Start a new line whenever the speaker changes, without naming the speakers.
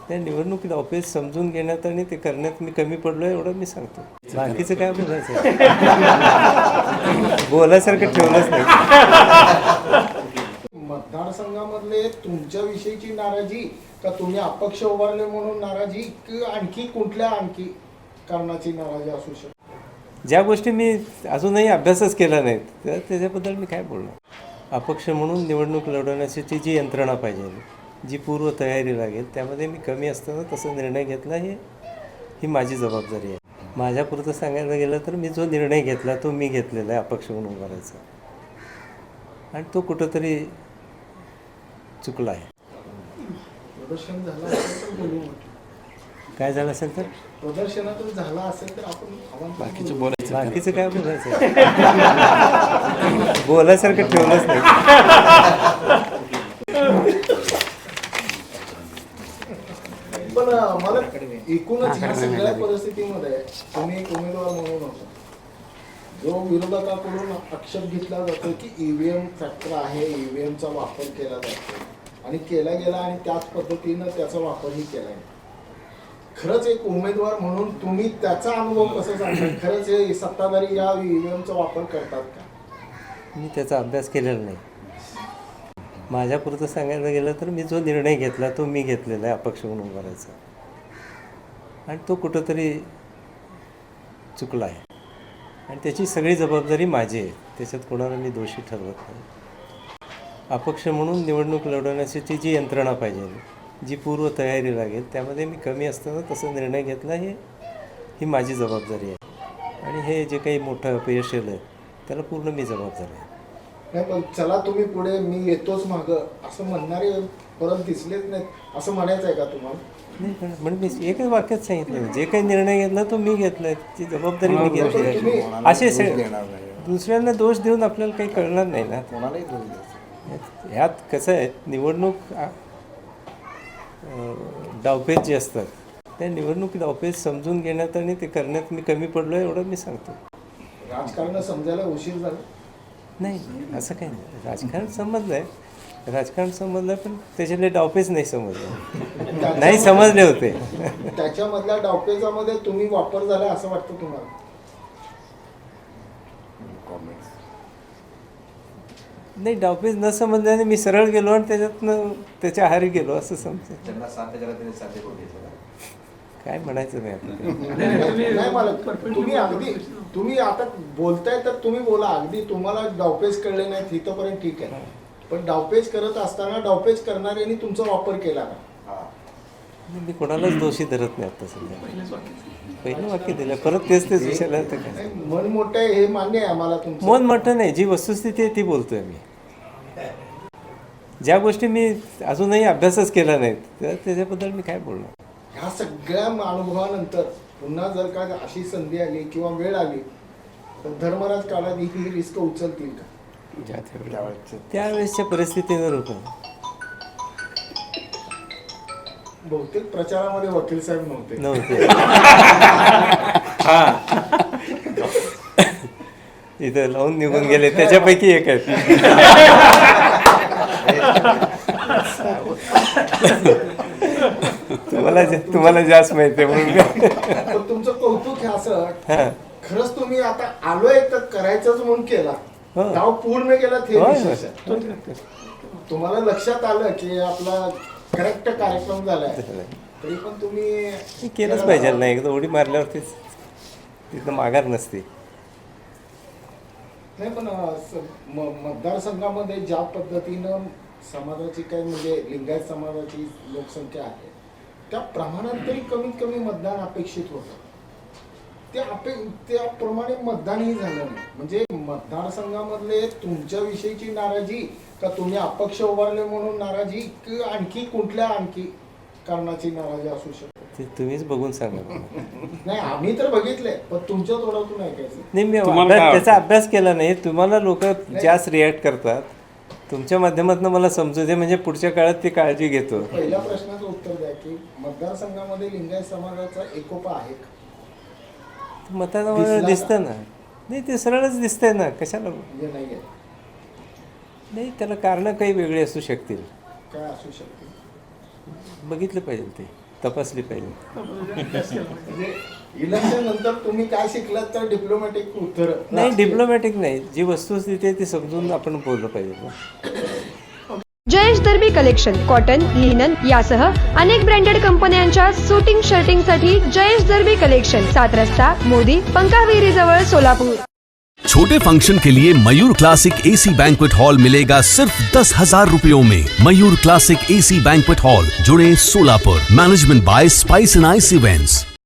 त्या निवडणुकीत ऑफिस समजून घेण्यात आणि ते करण्यात मी कमी पडलो एवढं मी सांगतो. बाकीचं काय बोलायचं बोलायसारखं ठेवलंच नाही.
मतदारसंघामधले तुमच्याविषयीची नाराजी का तुम्ही अपक्ष उभारले म्हणून नाराजी की आणखी कुठल्या कारणाची नाराजी असू शकते?
ज्या गोष्टी मी अजूनही अभ्यासच केला नाहीत तर त्याच्याबद्दल मी काय बोलणार. अपक्ष म्हणून निवडणूक लढवण्याची जी यंत्रणा पाहिजे, जी पूर्व तयारी लागेल, त्यामध्ये मी कमी असताना तसा निर्णय घेतला ही माझी जबाबदारी आहे. माझ्यापुरतं सांगायला गेलं तर मी जो निर्णय घेतला तो मी घेतलेला आहे अपक्ष म्हणून उभारायचा, आणि तो कुठंतरी चुकला आहे.
प्रदर्शन झालं असेल तर बोलू.
काय झालं असेल तर
प्रदर्शनातच झाला असेल तर आपण
बाकीचं काय बोलायचं बोलायसारखं ठेवलंच नाही.
पण मला एकूणच ह्या सगळ्या परिस्थितीमध्ये तुम्ही एक उमेदवार म्हणून होता जो विरोधकाकडून आक्षेप घेतला जातो की ईव्हीएम फॅक्टर आहे, ईव्हीएमचा वापर केला जातो आणि केला गेला आणि त्याच पद्धतीनं त्याचा वापरही केला आहे. खरंच एक उमेदवार म्हणून तुम्ही त्याचा अनुभव कसा सांगता? खरंच हे सत्ताधारी या ईव्हीएमचा वापर करतात का?
मी त्याचा अभ्यास केलेला नाही. माझ्यापुरतं सांगायला गेलं तर मी जो निर्णय घेतला तो मी घेतलेला आहे अपक्ष म्हणून उभारायचा, आणि तो कुठंतरी चुकला आहे, आणि त्याची सगळी जबाबदारी माझी आहे. त्याच्यात कोणाला मी दोषी ठरवत नाही. अपक्ष म्हणून निवडणूक लढवण्याची जी यंत्रणा पाहिजे, जी पूर्व तयारी लागेल, त्यामध्ये मी कमी असताना तसा निर्णय घेतला ही माझी जबाबदारी आहे, आणि हे जे काही मोठं अपयश आहे त्याला पूर्ण मी जबाबदार आहे.
नाही, पण चला तुम्ही पुढे, मी येतोच मागं असं म्हणणारे परत दिसलेच नाहीत असं म्हणायचं आहे का तुम्हाला?
नाही, म्हणजे मी एकच वाक्यात सांगितलं, जे काही निर्णय घेतला तो मी घेतलाय, ती जबाबदारी मी घेतली. असे दुसऱ्यांना दोष देऊन आपल्याला काही कळणार नाही ना. ह्यात कसं आहे, निवडणूक डावपेच जे असतात, त्या निवडणुकीत ऑफिस समजून घेण्यात आणि ते करण्यात मी कमी पडलो एवढं मी सांगतो.
राजकारण समजायला उशीर झाला
नाही, असं काही नाही. राजकारण समजलं आहे, राजकारण समजलं, पण त्याच्यातले डावपेच नाही समजले, नाही समजले होते.
त्याच्यामधल्या डावपेचामध्ये तुम्ही वापर झाला असं वाटतं तुम्हाला?
नाही, डावपेच न समजल्याने मी सरळ गेलो आणि त्याच्यातनं त्याच्या आहारी गेलो असं समजतं. काय म्हणायचं नाही आपल्याला.
नाही, मला तुम्ही आता बोलताय तर तुम्ही बोला. अगदी तुम्हाला डावपेच कळले नाहीत इथंपर्यंत ठीक आहे, पण डावपेच करत असताना डावपेच करणाऱ्यांनी तुमचा वापर केला का?
मी कोणालाच दोषी धरत नाही. आता सध्या पहिलं वाक्य दिलं, परत तेच विषयाला तर काय.
मन मोठं आहे हे मान्य आहे आम्हाला तुमचं.
मन मोठं नाही, जी वस्तुस्थिती आहे ती बोलतोय मी. ज्या गोष्टी मी अजूनही अभ्यासच केला नाहीत तर त्याच्याबद्दल मी काय बोलणार.
ह्या सगळ्या अनुभवानंतर पुन्हा जर का अशी संधी आली किंवा वेळ आली तर धर्मराज काळात ही रिस्क उचलतील का?
त्यावेळेसच्या परिस्थितीवर होतं.
बहुतेक प्रचारामध्ये वकील साहेब नव्हते.
इथं लावून निघून गेले, त्याच्यापैकी एक आहेत. तुम्हाला जास्त माहिती आहे म्हणून
तुमचं कौतुक हे असं. खरंच तुम्ही आता आलोय तर करायचंच म्हणून केला, गाव पूर्ण केला. तुम्हाला लक्षात आलं की आपला करेक्ट कार्यक्रम झालाय, तरी पण तुम्ही
केलंच पाहिजे. नाही, एकदा उडी मारल्यावरतीच तिथं माघार नसते.
नाही, पण मतदारसंघामध्ये ज्या पद्धतीनं समाजाची काही म्हणजे लिंगायत समाजाची लोकसंख्या आहे त्या प्रमाणात तरी कमीत कमी मतदान अपेक्षित होतं. त्याप्रमाणे मतदानही झालं नाही. म्हणजे मतदारसंघामधले तुमच्याविषयीची नाराजी का तुम्ही अपक्ष उभारले म्हणून नाराजी की आणखी कुठल्या कारणाची नाराजी असू शकते?
ते तुम्हीच बघून सांगा.
नाही, आम्ही तर बघितले, पण तुमच्या तोंडातून ऐकायचं.
नाही, मी त्याचा अभ्यास केला नाही. तुम्हाला लोक जास्त रिॲक्ट करतात, तुमच्या माध्यमातून मला समजू दे, म्हणजे पुढच्या काळात ती काळजी घेतो.
पहिल्या प्रश्नाचं उत्तर द्या की मतदारसंघामध्ये लिंगायत समाजाचा एकोपा आहे का?
मतामध्ये दिसतं ना. नाही, ते सरळच दिसतंय ना, कशाला. नाही, त्याला कारणं काही वेगळी असू शकतील.
काय असू शकतील?
बघितलं पाहिजे ते. तपासली पाहिजे.
म्हणजे इलेक्शन नंतर तुम्ही काय शिकलात तर डिप्लोमॅटिक उत्तर
नाही, डिप्लोमॅटिक नाही, जी वस्तुस्थिती आहे ती समजून आपण बोललं पाहिजे ना.
Jayesh Darbi collection cotton, linen यासह अनेक ब्रँडेड कंपन्यांच्या सुटिंग शर्टिंगसाठी जयेश दर्बी कलेक्शन, 7 रस्ता मोदी, पंकाविहिरी जवळ, सोलापूर.
छोटे फंक्शन के लिए Mayur classic AC banquet hall मिलेगा सिर्फ 10,000 रुपयों में. Mayur classic AC banquet hall, जुड़े, Solapur. Management by spice and ice events.